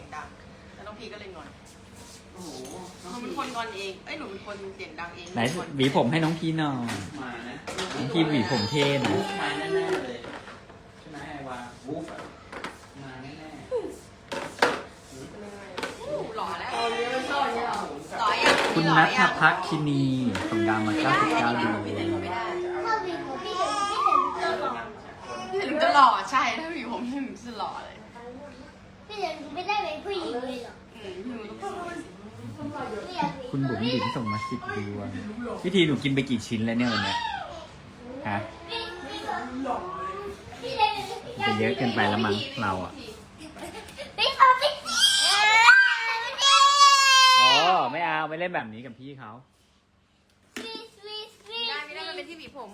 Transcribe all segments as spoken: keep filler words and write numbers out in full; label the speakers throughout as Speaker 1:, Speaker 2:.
Speaker 1: ดังแล้วน้องพีก็เลยงอน
Speaker 2: โอ้โห
Speaker 1: หนูเป็นคนงอนเองเอ้ยหนูเป็นคนเสียงดังเอง
Speaker 3: ไหนหวีผมให้น้องพี่หน่อย
Speaker 2: มานะ
Speaker 3: น้องพี่หวีผมเท่นะ
Speaker 2: วูฟมาแน่ๆเลยใช่ไหมไอ้วาวูฟอะมาแน่
Speaker 1: หล่อแล้วหล่อยัง
Speaker 3: คุณนัทพักคินีส่งดาวมาเก้าสิบเก้าดวง
Speaker 1: ไม่ได้ไม่ได้
Speaker 4: ถ้าวีผมพี่เห็นพี่เห็นจะหล่อ
Speaker 1: พี่ถึงจะหล่อใช่ถ้ามีผมพี่ถึงจะหล่อเลย
Speaker 4: พี่เห็นไม่ได้เป็นผู้หญิงเลยหรอ
Speaker 1: อืมพี่ถึงต้องสวยสิ
Speaker 4: พี่อยาก
Speaker 3: คุณบุ๋มบิ๋มส่งมาสิบดวงพี่ทีหนูกินไปกี่ชิ้นแล้วเนี่ยวันเนี้ยฮะ
Speaker 4: พี่พี่พี่เห็นพี่
Speaker 3: จะเยอะเกินไปแล้วมั้งเราอ่ะ
Speaker 4: พี่เอาพี่
Speaker 3: อ๋อไม่เอาไม่เล่นแบบนี้กับพี่เขา
Speaker 4: พี่พี่พี่
Speaker 1: ได้ไม่ได้มันเป็นที่หวีผม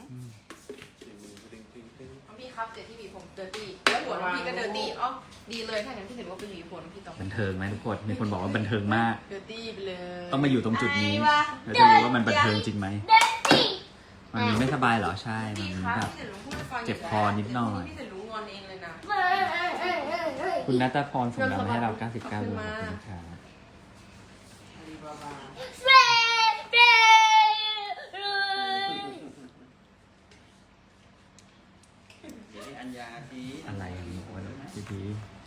Speaker 1: น้องพี่ครับเดี๋ยวที่หวีผมเดอร์ตี้แล้วหัวน้องพี่ก็เดอร์ตี้อ๋อดีเลยถ้าอย่างที่เห็นว่าเป็นหวีผมน้องพี่ต้อง
Speaker 3: บันเทิงไหมทุกคนมีคนบอกว่าบันเทิงมาก
Speaker 1: เดอร์ตี้ไปเลย
Speaker 3: ต้องมาอยู่ตรงจุดนี้เราจะรู้ว่ามันบันเทิงจริงไหม
Speaker 4: เด็กพี่
Speaker 3: มันมีไม่สบายเหรอใช่มัน
Speaker 1: พี่
Speaker 3: มี
Speaker 1: ครับ
Speaker 3: แบบ
Speaker 1: พี่ถึงรู้พูดให้ฟัง
Speaker 3: เจ็บคอนิดหน่อย
Speaker 1: พี่ถึงรู้งอนเองเลยนะ
Speaker 4: เอ้ยเอ้ยเอ้ยเอ้ยเอ้ย
Speaker 3: คุณนัทพรส่งดาวมาให้เราเก้าสิบเก้าดวงขอบคุณครับ
Speaker 1: อาลีบาบา
Speaker 4: เฟ้เฟ้
Speaker 2: ๆเดี๋ยวให้อัญญาที
Speaker 3: อะไรอ่ะมีคนพี่พี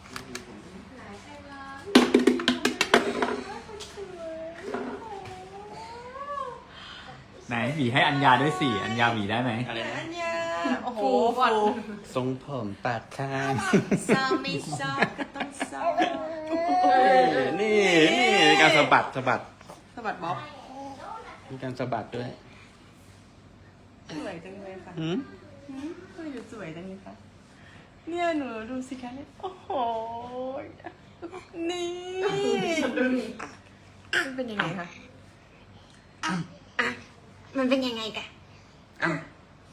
Speaker 3: ไหนหวีให้อัญญาด้วยสิอัญญาหวีได้ไหม
Speaker 2: อะไรนะ
Speaker 1: อันเนี้ยโอ้โหบอล
Speaker 2: ทรงผมปาดข้าง
Speaker 1: ซาไม่ซาก็ต้องซา
Speaker 2: นี่นี่มีการสะบัดสะบัด
Speaker 1: สะบัดบ๊อบ
Speaker 2: มีการสะบัดด้วย
Speaker 1: สวยจังเลยค่ะ
Speaker 2: หืม
Speaker 1: หืมทำไมหนูสวยจังเลยคะเนี่ยหนูดูสิคะเนี่ยโอ้โหนี่มันเป็นยังไงคะ
Speaker 4: มันเป็นยังไงกัน
Speaker 2: อ้าว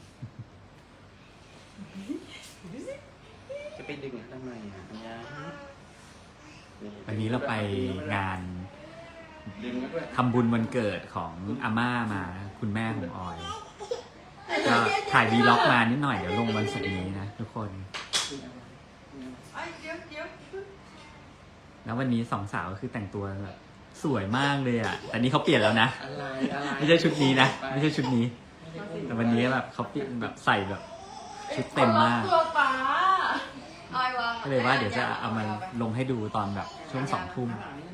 Speaker 2: จะไปดึงทำไมอ่ะอัญญา
Speaker 3: วันนี้เราไปงาน
Speaker 2: ดึงมาด้วย
Speaker 3: ทำบุญวันเกิดของอาม่ามาคุณแม่ของออยก็ถ่ายวีล็อกมานิดหน่อยเดี๋ยวลงวันศุกร์นี้นะทุกคน
Speaker 1: ไอ้เดี๋ยวเดี๋ยว
Speaker 3: แล้ววันนี้สองสาวก็คือแต่งตัวแบบสวยมากเลยอ่ะแต่นี่เขาเปลี่ยนแล้วนะ
Speaker 2: อะไรอะไร
Speaker 3: ไม่ใช่ชุดนี้นะไม่ใช่ชุดนี้ แต่วันนี้แบบเขาเปลี่ยนแบบใส่แบบชุดเต็มมาก
Speaker 1: ตัวป๋าออยวาง
Speaker 3: ก็เลยว่าเดี๋ยวจะเอามาลงให้ดูตอนแบบช่วงสองทุ่ม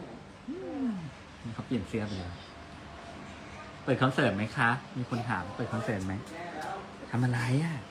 Speaker 3: เขาเปลี่ยนเสื้อไปเลยเปิดคอนเสิร์ตไหมคะ มีคนถามเปิดคอนเสิร์ตไหมทำอะไรอ่ะ